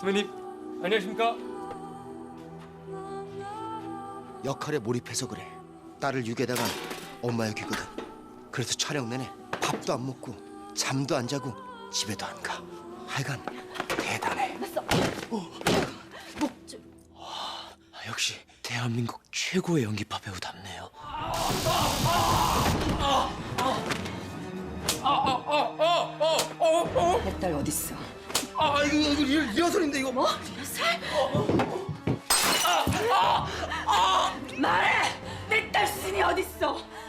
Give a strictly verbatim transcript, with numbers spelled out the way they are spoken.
선배님, 안녕하십니까? 역할에 몰입해서 그래. 딸을 육에다가 엄마 역이거든. 그래서 촬영 내내 밥도 안 먹고 잠도 안 자고 집에도 안 가. 하여간 대단해. 목 좀. 아, 역시 대한민국 최고의 연기파 배우답네요. 내 딸 어딨어? 아, 이거 이거 리, 리허설인데 이거. 뭐? 리허설? 말해! 내 딸 순이 어딨어?